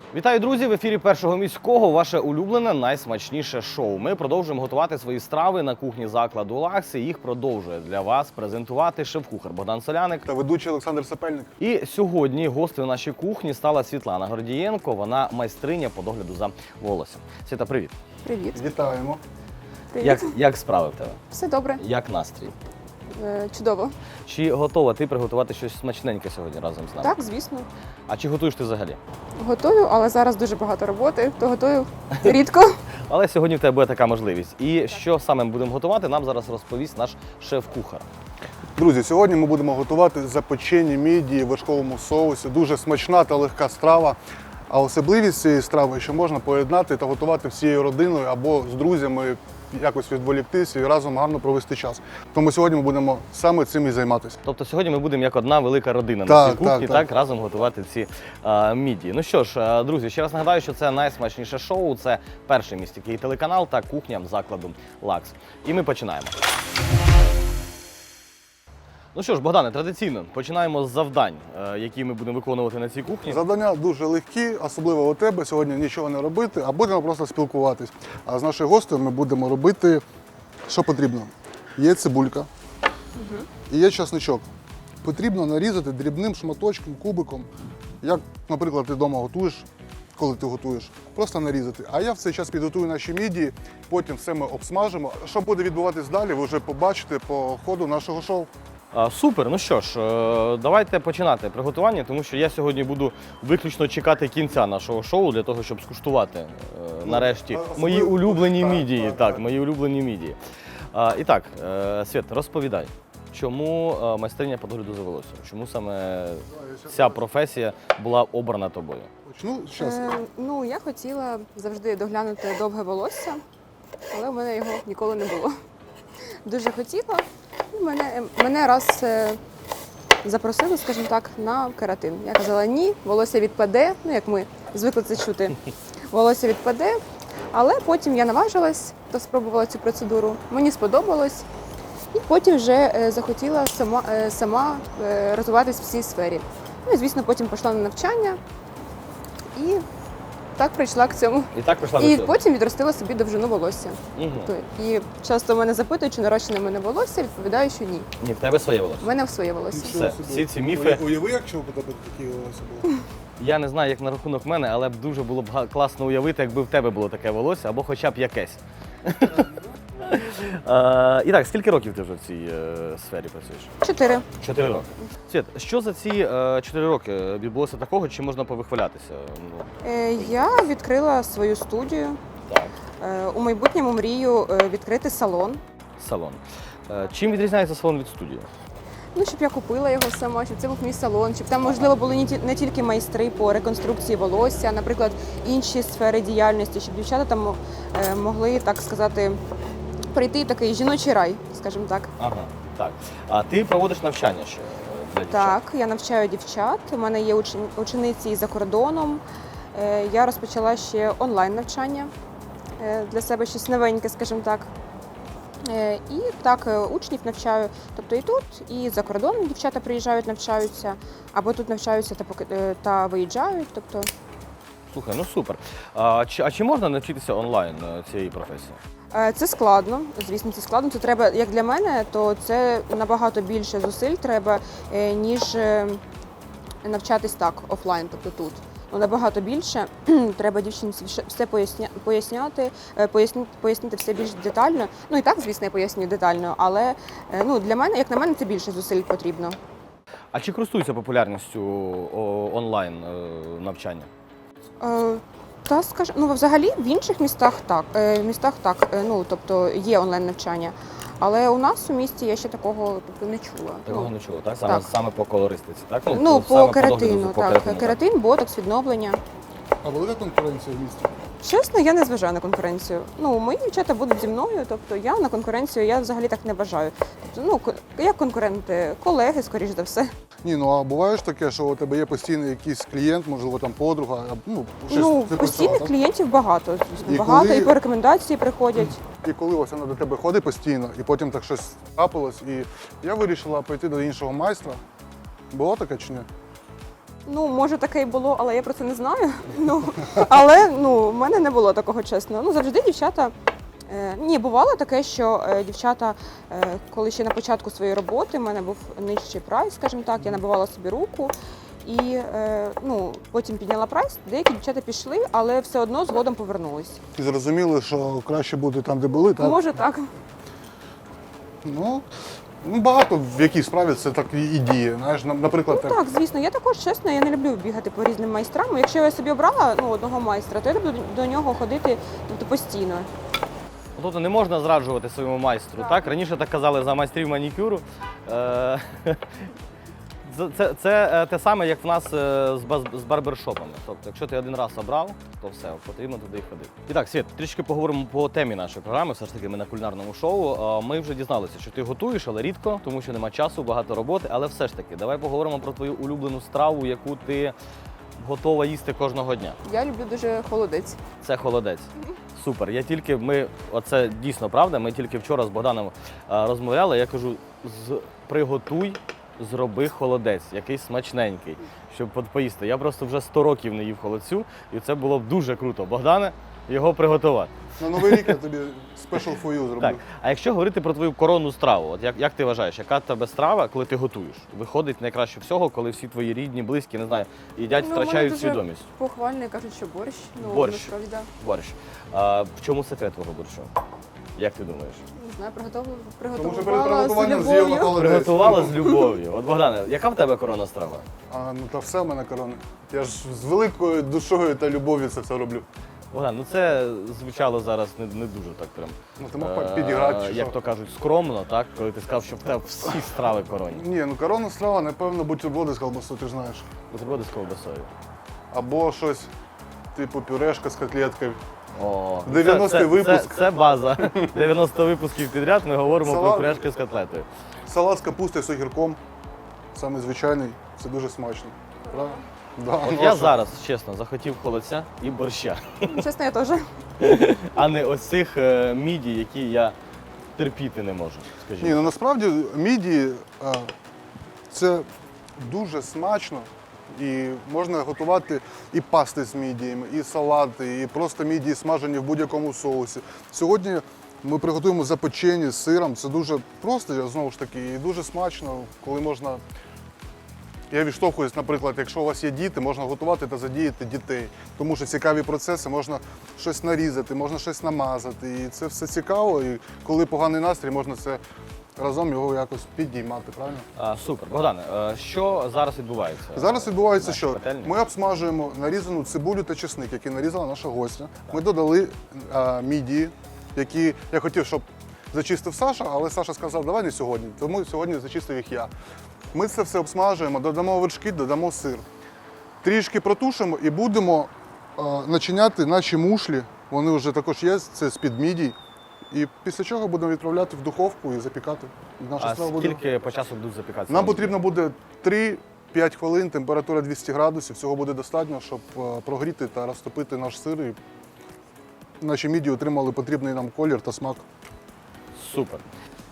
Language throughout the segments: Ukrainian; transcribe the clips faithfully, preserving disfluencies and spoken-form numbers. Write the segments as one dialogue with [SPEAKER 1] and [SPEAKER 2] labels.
[SPEAKER 1] Вітаю, друзі! В ефірі Першого міського ваше улюблене найсмачніше шоу. Ми продовжуємо готувати свої страви на кухні закладу «Лакс». І їх продовжує для вас презентувати шеф-кухар Богдан Соляник
[SPEAKER 2] та ведучий Олександр Сапельник.
[SPEAKER 1] І сьогодні гостею нашій кухні стала Світлана Гордієнко. Вона майстриня по догляду за волоссям. Світа, привіт!
[SPEAKER 3] Привіт.
[SPEAKER 2] Вітаємо.
[SPEAKER 3] Привіт.
[SPEAKER 1] Як, як справи в тебе?
[SPEAKER 3] Все добре.
[SPEAKER 1] Як настрій?
[SPEAKER 3] Е, Чудово.
[SPEAKER 1] Чи готова ти приготувати щось смачненьке сьогодні разом з нами?
[SPEAKER 3] Так, звісно.
[SPEAKER 1] А чи готуєш ти взагалі?
[SPEAKER 3] Готую, але зараз дуже багато роботи, то готую рідко.
[SPEAKER 1] Але сьогодні в тебе буде така можливість. І що саме ми будемо готувати, нам зараз розповість наш шеф-кухар.
[SPEAKER 2] Друзі, сьогодні ми будемо готувати запечені мідії в вершковому соусі. Дуже смачна та легка страва. А особливість цієї страви, що можна поєднати та готувати всією родиною або з друзями, якось відволіктися і разом гарно провести час. Тому сьогодні ми будемо саме цим і займатися.
[SPEAKER 1] Тобто сьогодні ми будемо як одна велика родина
[SPEAKER 2] Так,
[SPEAKER 1] на цій кухні,
[SPEAKER 2] так,
[SPEAKER 1] так,
[SPEAKER 2] так.
[SPEAKER 1] разом готувати ці а, мідії. Ну що ж, а, друзі, ще раз нагадаю, що це найсмачніше шоу, це перший міський телеканал та кухня закладу «Лакс». І ми починаємо. Ну що ж, Богдане, традиційно починаємо з завдань, е, які ми будемо виконувати на цій кухні.
[SPEAKER 2] Завдання дуже легкі, особливо у тебе. Сьогодні нічого не робити, а будемо просто спілкуватись. А з нашою гостею ми будемо робити, що потрібно. Є цибулька і є часничок. Потрібно нарізати дрібним шматочком, кубиком, як, наприклад, ти вдома готуєш, коли ти готуєш, просто нарізати. А я в цей час підготую наші мідії, потім все ми обсмажимо. Що буде відбуватись далі, ви вже побачите по ходу нашого шоу.
[SPEAKER 1] А, супер, ну що ж, е, давайте починати приготування, тому що я сьогодні буду виключно чекати кінця нашого шоу для того, щоб скуштувати е, нарешті
[SPEAKER 2] особливо-
[SPEAKER 1] мої улюблені
[SPEAKER 2] так,
[SPEAKER 1] мідії.
[SPEAKER 2] так,
[SPEAKER 1] Так,
[SPEAKER 2] так.
[SPEAKER 1] мої улюблені мідії. А, і так, е, Світ, розповідай, чому е, майстриня по догляду за волоссям? Чому саме ця професія була обрана тобою?
[SPEAKER 2] Почну зараз.
[SPEAKER 3] Е, ну, я хотіла завжди доглянути довге волосся, але в мене його ніколи не було. Дуже хотіла. І мене, мене раз е, запросили, скажімо так, на кератин. Я казала, ні, волосся відпаде, ну як ми звикли це чути, волосся відпаде. Але потім я наважилась та спробувала цю процедуру. Мені сподобалось. І потім вже е, захотіла сама, е, сама е, розвиватись в цій сфері. Ну і, звісно, потім пішла на навчання і так прийшла к цьому.
[SPEAKER 1] І так прийшла до
[SPEAKER 3] І
[SPEAKER 1] цього?
[SPEAKER 3] потім відростила собі довжину волосся.
[SPEAKER 1] Угу.
[SPEAKER 3] То- І часто мене запитують, чи нарощене в мене волосся, відповідаю, що ні.
[SPEAKER 1] Ні, в тебе своє волосся.
[SPEAKER 3] В мене в своє волосся.
[SPEAKER 1] Все, всі ці міфи.
[SPEAKER 2] Уяви, якщо у тебе такі волосся було.
[SPEAKER 1] Я не знаю, як на рахунок мене, але б дуже було б га- класно уявити, якби в тебе було таке волосся, або хоча б якесь. Е, І так, скільки років ти вже в цій е, сфері працюєш?
[SPEAKER 3] Чотири.
[SPEAKER 1] Чотири роки. Світ, що за ці е, чотири роки відбулося такого, чи можна повихвалятися? Ну,
[SPEAKER 3] Е, Я відкрила свою студію.
[SPEAKER 1] так,
[SPEAKER 3] Е, У майбутньому мрію е, відкрити салон.
[SPEAKER 1] салон. Е, Чим відрізняється салон від студії?
[SPEAKER 3] Ну, щоб я купила його сама, щоб це був мій салон, щоб там, можливо, були не ті- не тільки майстри по реконструкції волосся, а, наприклад, інші сфери діяльності, щоб дівчата там е, могли, так сказати, прийти в такий жіночий рай, скажімо так.
[SPEAKER 1] Ага, так. А ти проводиш навчання ще для дівчат?
[SPEAKER 3] Так, я навчаю дівчат. У мене є учен- учениці і за кордоном. Е, Я розпочала ще онлайн навчання е, для себе щось новеньке, скажімо так. Е, І так, е, учнів навчаю, тобто і тут, і за кордоном дівчата приїжджають, навчаються, або тут навчаються та поки- е, та виїжджають. Тобто,
[SPEAKER 1] Слухай, ну супер. А чи, а чи можна навчитися онлайн е, цієї професії?
[SPEAKER 3] е, це складно, звісно, це складно. Це треба, як для мене, то це набагато більше зусиль треба, е, ніж е, навчатись так, офлайн, тобто тут. Ну, набагато більше. Треба дівчинці все- все поясня, поясняти, е, поясни, пояснити все більш детально. Ну і так, звісно, я пояснюю детально, але е, ну, для мене, як на мене, це більше зусиль потрібно.
[SPEAKER 1] А чи користуються популярністю о, онлайн е, навчання?
[SPEAKER 3] Е, Та скаж, ну взагалі в інших містах так. Е, в містах так, е, ну тобто є онлайн навчання. Але у нас у місті я ще такого тобто, не чула.
[SPEAKER 1] Такого
[SPEAKER 3] ну,
[SPEAKER 1] не чула, так? Саме,
[SPEAKER 3] так.
[SPEAKER 1] саме по колористиці, так?
[SPEAKER 3] ну,
[SPEAKER 1] саме
[SPEAKER 3] по
[SPEAKER 1] догляду
[SPEAKER 3] кератину,
[SPEAKER 1] за- по
[SPEAKER 3] так.
[SPEAKER 1] кератину,
[SPEAKER 3] Кератин, ботокс, відновлення.
[SPEAKER 2] А велика конкуренція в місті?
[SPEAKER 3] Чесно, я не зважаю на конкуренцію. Ну, мої дівчата будуть зі мною, тобто я на конкуренцію я взагалі так не бажаю. Тобто, ну, ко- як конкуренти, колеги, скоріш за все.
[SPEAKER 2] Ні, ну а буває ж таке, що у тебе є постійний якийсь клієнт, можливо, там подруга, а, ну, щось
[SPEAKER 3] Ну,
[SPEAKER 2] типу
[SPEAKER 3] постійних
[SPEAKER 2] цього, так?
[SPEAKER 3] клієнтів багато.
[SPEAKER 2] І
[SPEAKER 3] багато,
[SPEAKER 2] коли-
[SPEAKER 3] і по рекомендації приходять.
[SPEAKER 2] І коли ось вона до тебе ходить постійно, і потім так щось трапилось, і я вирішила пойти до іншого майстра. Було таке чи ні?
[SPEAKER 3] Ну, може, таке і було, але я про це не знаю. Ну, але ну, в мене не було такого, чесно. Ну, завжди дівчата. Е, ні, бувало таке, що е, дівчата, е, коли ще на початку своєї роботи, в мене був нижчий прайс, скажімо так, я набивала собі руку. І е, ну, потім підняла прайс, деякі дівчата пішли, але все одно згодом повернулись.
[SPEAKER 2] І зрозуміли, що краще бути там, де були, так?
[SPEAKER 3] Може так.
[SPEAKER 2] Ну, ну, багато в якій справі це так і діє. Знаєш, на- наприклад,
[SPEAKER 3] Ну так, звісно, я також чесно, я не люблю бігати по різним майстрам. Якщо я собі обрала ну, одного майстра, то я люблю до нього ходити тобто, постійно.
[SPEAKER 1] Тобто не можна зраджувати своєму майстру, так?
[SPEAKER 3] Так.
[SPEAKER 1] Раніше так казали за майстрів манікюру. Е, Це, це, це е, те саме, як в нас е, з, баз- з барбершопами. Тобто, якщо ти один раз обрав, то все, потрібно туди і ходити. І так, Світ, трішки поговоримо по темі нашої програми. Все ж таки, ми на кулінарному шоу. Е, Ми вже дізналися, що ти готуєш, але рідко, тому що нема часу, багато роботи. Але все ж таки, давай поговоримо про твою улюблену страву, яку ти готова їсти кожного дня.
[SPEAKER 3] Я люблю дуже холодець.
[SPEAKER 1] Це холодець. Супер. Я тільки ми, оце дійсно правда. Ми тільки вчора з Богданом е, розмовляли. Я кажу, з приготуй, зроби холодець, якийсь смачненький, щоб от поїсти. Я просто вже сто років не їв холодцю, і це було б дуже круто. Богдане, його приготувати.
[SPEAKER 2] на Новий рік я тобі special for you зроблю.
[SPEAKER 1] Так. А якщо говорити про твою коронну страву, от як, як ти вважаєш, яка в тебе страва, коли ти готуєш? Виходить найкраще всього, коли всі твої рідні, близькі, не знаю, їдять,
[SPEAKER 3] Ну,
[SPEAKER 1] втрачають
[SPEAKER 3] вони дуже
[SPEAKER 1] свідомість.
[SPEAKER 3] Похвально кажуть, що борщ. Ну,
[SPEAKER 1] Борщ.
[SPEAKER 3] насправді, да.
[SPEAKER 1] Борщ. А, в чому секрет твого борщу? Як ти думаєш?
[SPEAKER 3] Не знаю, приготовила,
[SPEAKER 2] Тому що перед
[SPEAKER 3] приготувала з
[SPEAKER 2] приготуванням з'їла
[SPEAKER 3] любов'ю.
[SPEAKER 2] холодець.
[SPEAKER 1] Приготувала з любов'ю. От, Богдане, яка в тебе коронна страва?
[SPEAKER 2] А, ну та все в мене корона. Я ж з великою душою та любов'ю це все роблю.
[SPEAKER 1] Богдан, ну це звучало зараз не, не дуже так прям.
[SPEAKER 2] Ну ти мог
[SPEAKER 1] е,
[SPEAKER 2] підіграти чи
[SPEAKER 1] Як
[SPEAKER 2] що?
[SPEAKER 1] то кажуть, скромно, так? Коли ти сказав, що в тебе всі страви коронні.
[SPEAKER 2] Ні, ну коронна страва, напевно, бутерброди з колбасою, ти ж знаєш.
[SPEAKER 1] Бутерброди з ковбасою.
[SPEAKER 2] Або щось типу пюрешка з котлеткою.
[SPEAKER 1] О,
[SPEAKER 2] дев'яностий
[SPEAKER 1] це, це,
[SPEAKER 2] випуск.
[SPEAKER 1] Це, це база. дев'яносто випусків підряд ми говоримо
[SPEAKER 2] Салат.
[SPEAKER 1] про пюрешки з котлетою.
[SPEAKER 2] Салат з капустою з огірком. Саме звичайний, це дуже смачно. Правда? Да,
[SPEAKER 1] От
[SPEAKER 2] ну,
[SPEAKER 1] я
[SPEAKER 2] а що?
[SPEAKER 1] зараз, чесно, захотів холодця і борща,
[SPEAKER 3] Чесно, я теж.
[SPEAKER 1] а не ось цих е, міді, які я терпіти не можу, скажімо.
[SPEAKER 2] Ні, ну насправді міді а, це дуже смачно. І можна готувати і пасти з мідіями, і салати, і просто мідії смажені в будь-якому соусі. Сьогодні ми приготуємо запечені з сиром. Це дуже просто, знову ж таки, і дуже смачно, коли можна. Я відштовхуюсь, наприклад, якщо у вас є діти, можна готувати та задіяти дітей. Тому що цікаві процеси, можна щось нарізати, можна щось намазати. І це все цікаво. І коли поганий настрій, можна це разом його якось підіймати, правильно?
[SPEAKER 1] А, супер. Богдане, е, що зараз відбувається?
[SPEAKER 2] Зараз відбувається,
[SPEAKER 1] Наші
[SPEAKER 2] що
[SPEAKER 1] пательні?
[SPEAKER 2] ми обсмажуємо нарізану цибулю та чесник, який нарізала наша гостя. Ми додали а, мідії, які я хотів, щоб зачистив Саша, але Саша сказав, давай не сьогодні, тому сьогодні зачистив їх я. Ми це все обсмажуємо, додамо вершки, додамо сир. Трішки протушимо і будемо а, начиняти наші мушлі. Вони вже також є, це з-під мідій. І після чого будемо відправляти в духовку і запікати. І наша
[SPEAKER 1] А
[SPEAKER 2] страва буде.
[SPEAKER 1] скільки по часу будуть запікатися?
[SPEAKER 2] Нам потрібно буде три-п'ять хвилин, температура двісті градусів. Цього буде достатньо, щоб е, прогріти та розтопити наш сир. І наші мідії отримали потрібний нам колір та смак.
[SPEAKER 1] Супер.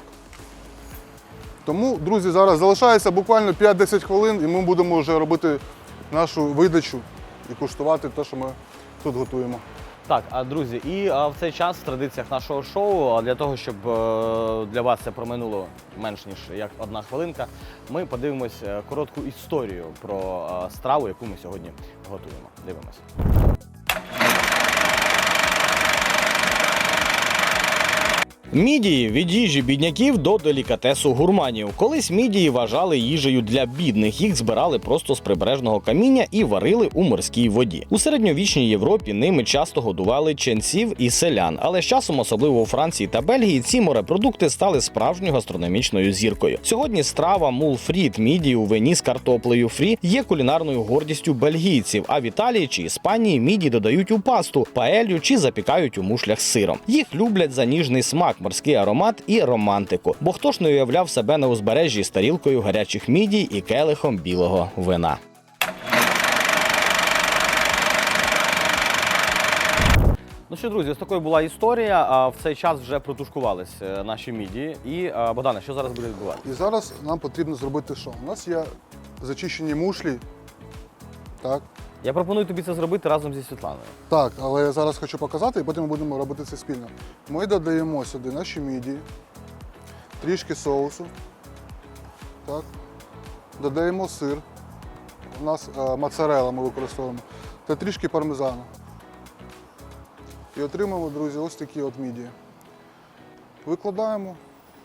[SPEAKER 2] Тому, друзі, зараз залишається буквально п'ять-десять хвилин, і ми будемо вже робити нашу видачу і куштувати те, що ми тут готуємо.
[SPEAKER 1] Так, а друзі, і а, в цей час в традиціях нашого шоу, а для того, щоб е, для вас це проминуло менш ніж як одна хвилинка, ми подивимось е, коротку історію про е, страву, яку ми сьогодні готуємо. Дивимось. Мідії від їжі бідняків до делікатесу гурманів. Колись мідії вважали їжею для бідних. Їх збирали просто з прибережного каміння і варили у морській воді. У середньовічній Європі ними часто годували ченців і селян. Але з часом, особливо у Франції та Бельгії, ці морепродукти стали справжньою гастрономічною зіркою. Сьогодні страва мулфріт мідії у вині з картоплею фрі є кулінарною гордістю бельгійців. А в Італії чи Іспанії мідії додають у пасту, паелью чи запікають у мушлях з сиром. Їх люблять за ніжний смак, морський аромат і романтику. Бо хто ж не уявляв себе на узбережжі з тарілкою гарячих мідій і келихом білого вина. Ну що, друзі, ось такою була історія. А в цей час вже протушкувались е, наші мідії. І, е, Богдане, що зараз буде відбуватися?
[SPEAKER 2] І зараз нам потрібно зробити що? У нас є зачищені мушлі Так.
[SPEAKER 1] Я пропоную тобі це зробити разом зі Світланою.
[SPEAKER 2] Так, але я зараз хочу показати і потім ми будемо робити це спільно. Ми додаємо сюди наші мідії, трішки соусу. Так. Додаємо сир. У нас е, моцарелла ми використовуємо. Та трішки пармезану. І отримаємо, друзі, ось такі от мідії. Викладаємо.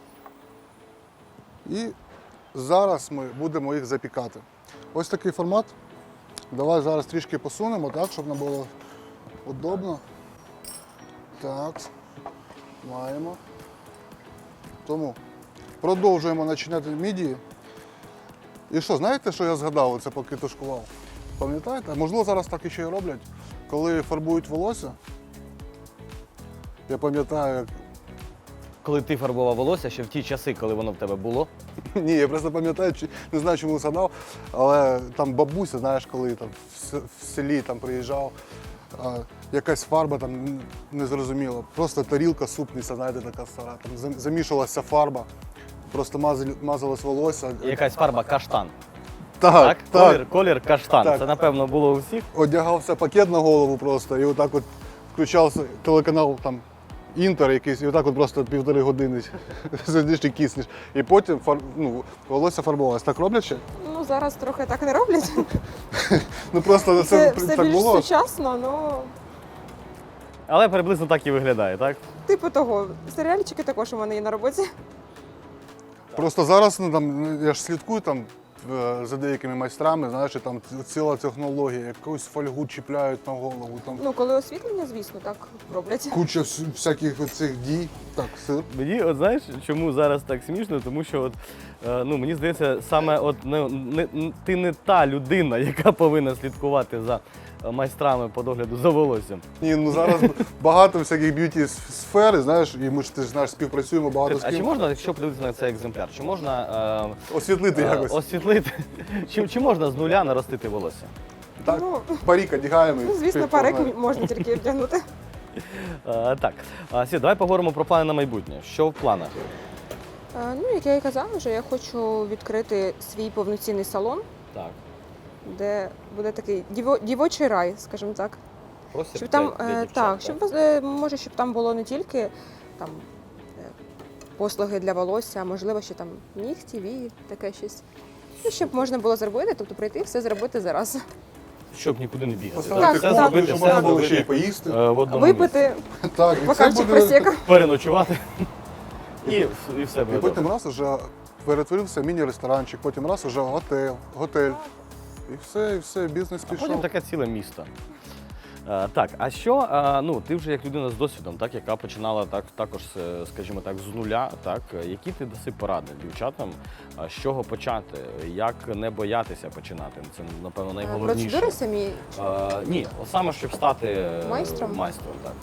[SPEAKER 2] І зараз ми будемо їх запікати. Ось такий формат. Давай зараз трішки посунемо, так, щоб нам було удобно. Так, маємо. Тому продовжуємо начиняти мідії. І що, знаєте, що я згадав, це поки тушкував? Пам'ятаєте? Можливо, зараз так і ще й роблять. Коли фарбують волосся, я пам'ятаю, як...
[SPEAKER 1] Коли ти фарбував волосся, ще в ті часи, коли воно в тебе було.
[SPEAKER 2] Ні, я просто пам'ятаю, чи- не знаю, чому згадав, але там бабуся, знаєш, коли там в с- в селі там приїжджав, а, якась фарба там н- незрозуміла. Просто тарілка супниця, знаєте, така стара. Там зам- замішувалася фарба, просто мазали- мазалось волосся.
[SPEAKER 1] Якась фарба каштан.
[SPEAKER 2] Так,
[SPEAKER 1] Так?
[SPEAKER 2] так.
[SPEAKER 1] Колір, колір каштан.
[SPEAKER 2] Так.
[SPEAKER 1] Це, напевно, було у всіх.
[SPEAKER 2] Одягався пакет на голову просто і отак от включався телеканал там Інтер якийсь, і отак от просто півтори години сидиш і киснеш. І потім фар... ну, волосся фарбувалося. Так роблять ще?
[SPEAKER 3] Ну, зараз трохи так не роблять.
[SPEAKER 2] Ну просто це,
[SPEAKER 3] Це
[SPEAKER 2] це
[SPEAKER 3] все
[SPEAKER 2] так
[SPEAKER 3] більш
[SPEAKER 2] було.
[SPEAKER 3] сучасно, ну,
[SPEAKER 1] Але приблизно так і виглядає, так?
[SPEAKER 3] типу того. Серіальчики також у мене є на роботі.
[SPEAKER 2] Просто зараз ну, там, ну, я ж слідкую там е, за деякими майстрами, знаєш, і там ціла технологія, якусь фольгу чіпляють на голову, там
[SPEAKER 3] Ну, коли освітлення, звісно, так роблять.
[SPEAKER 2] куча вс- всяких цих дій. Так, сир.
[SPEAKER 1] Мені, от знаєш, чому зараз так смішно? Тому що от, е, ну, мені здається, саме от, не, не, н- ти не та людина, яка повинна слідкувати за е, майстрами по догляду за волоссям.
[SPEAKER 2] Ні, ну зараз багато всяких б'юті сфери, знаєш, і ми ж ти ж знаєш, співпрацюємо багато з
[SPEAKER 1] А чи
[SPEAKER 2] ким.
[SPEAKER 1] можна, якщо подивитися на цей екземпляр, чи можна е,
[SPEAKER 2] Освітлити
[SPEAKER 1] е,
[SPEAKER 2] якось.
[SPEAKER 1] освітлити, чи, чи можна з нуля наростити волосся?
[SPEAKER 2] Так,
[SPEAKER 3] Ну,
[SPEAKER 2] парік одягаємо. і
[SPEAKER 3] ну, звісно,
[SPEAKER 2] співпрацюємо.
[SPEAKER 3] парик можна тільки вдягнути.
[SPEAKER 1] Е, так, а, Світ, давай поговоримо про плани на майбутнє. Що в планах?
[SPEAKER 3] Е, Ну, як я і казала, вже я хочу відкрити свій повноцінний салон,
[SPEAKER 1] Так.
[SPEAKER 3] де буде такий діво- дівочий рай, скажімо так.
[SPEAKER 1] Простір
[SPEAKER 3] Щоб там,
[SPEAKER 1] для- для
[SPEAKER 3] е,
[SPEAKER 1] дівчат,
[SPEAKER 3] так, щоб е, може, щоб там було не тільки там е, послуги для волосся, а можливо, ще там нігті, вії, таке щось. І щоб можна було зробити, тобто прийти і все зробити зараз.
[SPEAKER 1] Щоб нікуди не бігати.
[SPEAKER 2] Поставити
[SPEAKER 3] Так,
[SPEAKER 1] Все
[SPEAKER 3] так.
[SPEAKER 2] кухню,
[SPEAKER 1] зробити,
[SPEAKER 2] щоб
[SPEAKER 1] все
[SPEAKER 2] можна було
[SPEAKER 1] зробити,
[SPEAKER 2] ще й поїсти.
[SPEAKER 1] е, в одному місці.
[SPEAKER 3] Випити
[SPEAKER 2] Так, і це
[SPEAKER 3] бокальчик
[SPEAKER 2] буде...
[SPEAKER 3] просека.
[SPEAKER 1] Переночувати. І, і все
[SPEAKER 2] І
[SPEAKER 1] буде
[SPEAKER 2] потім
[SPEAKER 1] добре.
[SPEAKER 2] раз уже перетворився міні-ресторанчик, потім раз уже готель, готель. І все, і все, бізнес
[SPEAKER 1] А потім
[SPEAKER 2] пішов.
[SPEAKER 1] таке ціле місто. Е, так, а що, е, ну, ти вже як людина з досвідом, так, яка починала так, також, е, скажімо так, з нуля, так, е, які ти даси поради дівчатам, е, з чого почати, як не боятися починати? Це, напевно, найголовніше.
[SPEAKER 3] Процедури самі.
[SPEAKER 1] Е, ні, от саме, щоб стати е,
[SPEAKER 3] Майстром?
[SPEAKER 1] майстром, так.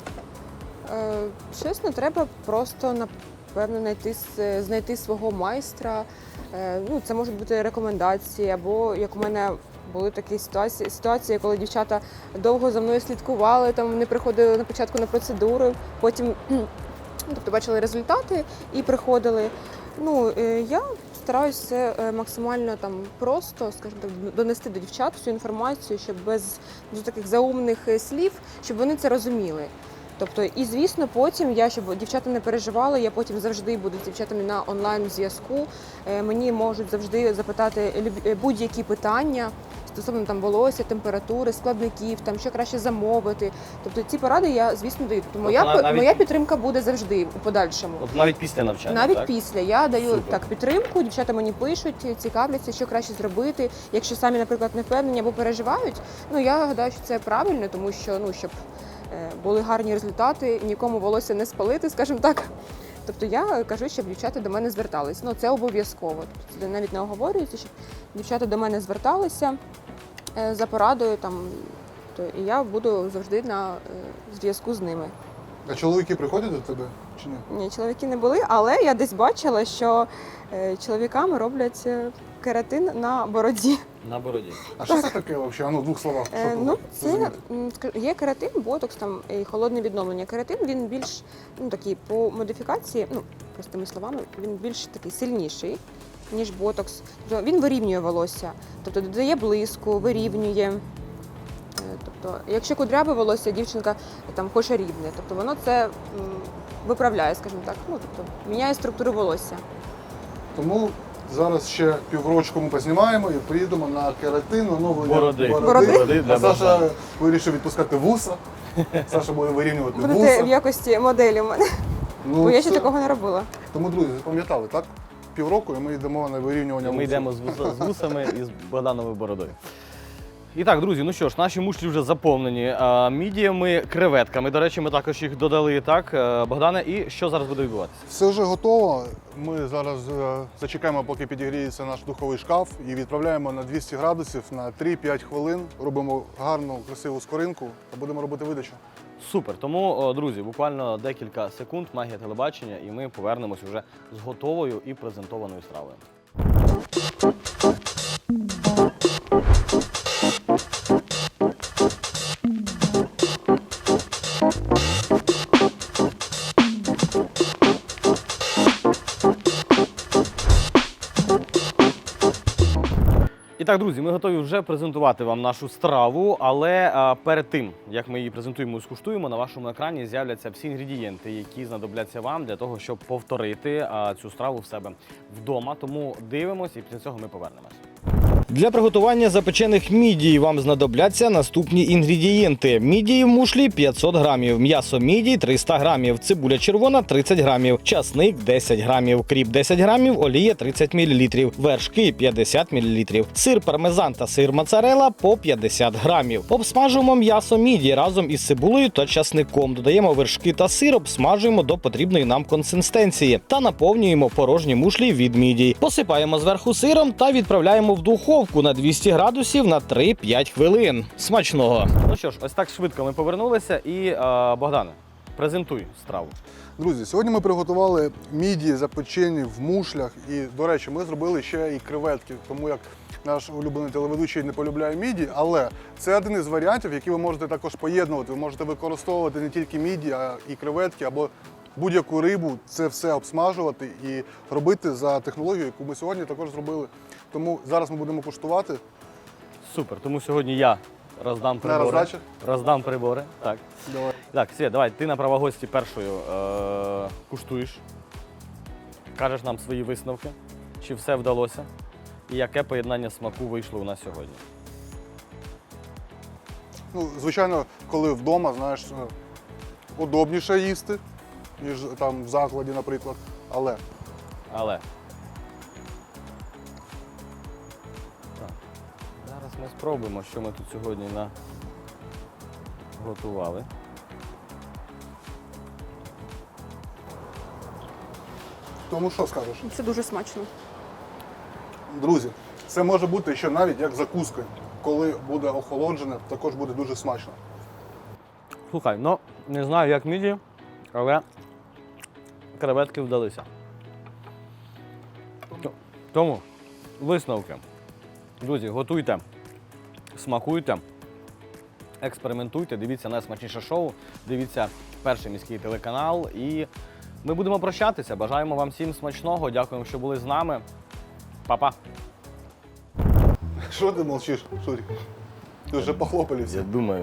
[SPEAKER 3] Е, Чесно, треба просто напевно знайти, с- знайти свого майстра. Е, Ну, це можуть бути рекомендації, або як у мене були такі ситуації, ситуації, коли дівчата довго за мною слідкували, там вони приходили на початку на процедури, потім ну, тобто бачили результати і приходили. Ну, е, я стараюся це е, максимально там просто, скажімо так, донести до дівчат всю інформацію, щоб без дуже таких заумних е, слів, щоб вони це розуміли. Тобто, і звісно, потім я, щоб дівчата не переживали, я потім завжди буду з дівчатами на онлайн зв'язку. Е, Мені можуть завжди запитати люб- е, будь-які питання стосовно там волосся, температури, складників, там що краще замовити. Тобто ці поради я, звісно, даю. Тобто моя,
[SPEAKER 1] Тобто навіть-
[SPEAKER 3] моя підтримка буде завжди у подальшому.
[SPEAKER 1] От навіть після навчання,
[SPEAKER 3] Навіть
[SPEAKER 1] так?
[SPEAKER 3] після я даю
[SPEAKER 1] Супер.
[SPEAKER 3] так підтримку, дівчата мені пишуть, цікавляться, що краще зробити. Якщо самі, наприклад, не впевнені або переживають, ну я гадаю, що це правильно, тому що ну щоб е, були гарні результати, нікому волосся не спалити, скажімо так. Тобто я кажу, щоб дівчата до мене звертались. Ну це обов'язково. Тобто це навіть не оговорюється, щоб дівчата до мене зверталися е, за порадою там. То і я буду завжди на е, зв'язку з ними.
[SPEAKER 2] А чоловіки приходять до тебе чи ні?
[SPEAKER 3] Ні, чоловіки не були, але я десь бачила, що е, чоловікам роблять е, кератин на бороді.
[SPEAKER 1] На бороді.
[SPEAKER 2] А що це таке взагалі? Ну, в двох словах.
[SPEAKER 3] Е,
[SPEAKER 2] щоб
[SPEAKER 3] ну, це
[SPEAKER 2] зрозуміти.
[SPEAKER 3] м, ска- є кератин, ботокс там і холодне відновлення. Кератин він більш ну такий по модифікації, ну простими словами, він більш такий сильніший. ніж ботокс. Тобто він вирівнює волосся, тобто додає блиску, вирівнює. Е, Тобто, якщо кудряве волосся, дівчинка там хоче рівне, тобто воно це м, виправляє, скажімо так, ну тобто міняє структуру волосся.
[SPEAKER 2] Тому зараз ще піврочку ми познімаємо і приїдемо на кератин, оновлення
[SPEAKER 1] Бороди.
[SPEAKER 3] Бороди?
[SPEAKER 1] Бороди для
[SPEAKER 2] А Саша
[SPEAKER 1] Богдана.
[SPEAKER 2] вирішив відпускати вуса. Саша буде вирівнювати
[SPEAKER 3] Будете в
[SPEAKER 2] вуса.
[SPEAKER 3] якості моделі в мене,
[SPEAKER 2] Ну,
[SPEAKER 3] бо я ще
[SPEAKER 2] це-
[SPEAKER 3] такого не робила.
[SPEAKER 2] Тому, друзі, запам'ятали, так? Півроку і ми йдемо на вирівнювання
[SPEAKER 1] Ми
[SPEAKER 2] вуса.
[SPEAKER 1] йдемо з, вуса- з вусами і з Богдановою бородою. І так, друзі, ну що ж, наші мушлі вже заповнені а, мідіями, креветками. До речі, ми також їх додали, так, е, Богдане. І що зараз буде відбуватися?
[SPEAKER 2] Все вже готово. Ми зараз е, зачекаємо, поки підігріється наш духовий шкаф і відправляємо на двісті градусів на три-п'ять хвилин. Робимо гарну, красиву скоринку та будемо робити видачу.
[SPEAKER 1] Супер. Тому, о, друзі, буквально декілька секунд, магія телебачення, і ми повернемось вже з готовою і презентованою стравою. І так, друзі, ми готові вже презентувати вам нашу страву, але а, перед тим, як ми її презентуємо і скуштуємо, на вашому екрані з'являться всі інгредієнти, які знадобляться вам для того, щоб повторити а, цю страву в себе вдома. Тому дивимось і після цього ми повернемось. Для приготування запечених мідій вам знадобляться наступні інгредієнти. Мідії в мушлі п'ятсот грамів, м'ясо мідій триста грамів, цибуля червона тридцять грамів, часник десять грамів, кріп десять грамів, олія тридцять мілілітрів, вершки п'ятдесят мілілітрів, сир пармезан та сир моцарелла по п'ятдесят грамів. Обсмажуємо м'ясо мідій разом із цибулею та часником. Додаємо вершки та сир, обсмажуємо до потрібної нам консистенції та наповнюємо порожні мушлі від мідій. Посипаємо зверху сиром та відправляємо в духовку на двісті градусів на три-п'ять хвилин. Смачного! Ну що ж, ось так швидко ми повернулися і, е, Богдане, презентуй страву.
[SPEAKER 2] Друзі, сьогодні ми приготували мідії запечені в мушлях. І, до речі, ми зробили ще і креветки, тому як наш улюблений телеведучий не полюбляє мідії, але це один із варіантів, які ви можете також поєднувати. Ви можете використовувати не тільки мідії, а і креветки, або будь-яку рибу, це все обсмажувати і робити за технологією, яку ми сьогодні також зробили. Тому зараз ми будемо куштувати.
[SPEAKER 1] Супер, тому сьогодні я роздам прибори.
[SPEAKER 2] роздачу?
[SPEAKER 1] Роздам прибори, так.
[SPEAKER 2] Давай.
[SPEAKER 1] Так, Світ, давай, ти на права гості першою е- куштуєш, кажеш нам свої висновки, чи все вдалося, і яке поєднання смаку вийшло у нас сьогодні.
[SPEAKER 2] Ну, звичайно, коли вдома, знаєш, е, удобніше їсти, ніж там в закладі, наприклад. Але
[SPEAKER 1] Але. Так. Зараз ми спробуємо, що ми тут сьогодні наготували.
[SPEAKER 2] тому що скажеш?
[SPEAKER 3] Це дуже смачно.
[SPEAKER 2] Друзі, це може бути ще навіть як закуска. Коли буде охолоджене, також буде дуже смачно.
[SPEAKER 1] Слухай, ну не знаю, як міді, але креветки вдалися. Тому висновки. Друзі, готуйте, смакуйте, експериментуйте, дивіться найсмачніше шоу, дивіться перший міський телеканал. І ми будемо прощатися. Бажаємо вам всім смачного. Дякуємо, що були з нами. Па-па.
[SPEAKER 2] Що ти мовчиш, Шурік? Ти вже похлопали всі.
[SPEAKER 1] Я думаю.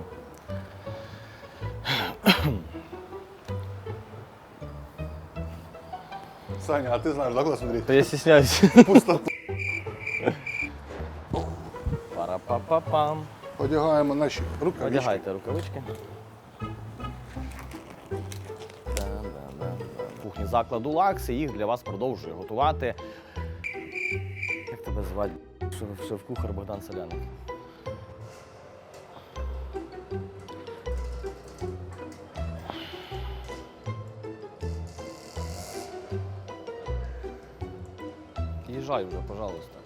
[SPEAKER 2] Саня, а ти знаєш, да, куди смотреть?
[SPEAKER 1] Та я стісняюсь.
[SPEAKER 2] Пустота.
[SPEAKER 1] Пара-па-па-пам.
[SPEAKER 2] Одягаємо наші рукавички.
[SPEAKER 1] Одягайте рукавички. Да-да-да-да. Кухні закладу Лакс, і їх для вас продовжує готувати. Як тебе звати? Шеф- Шеф-кухар Богдан Соляник. Їжджай вже, пожалуйста.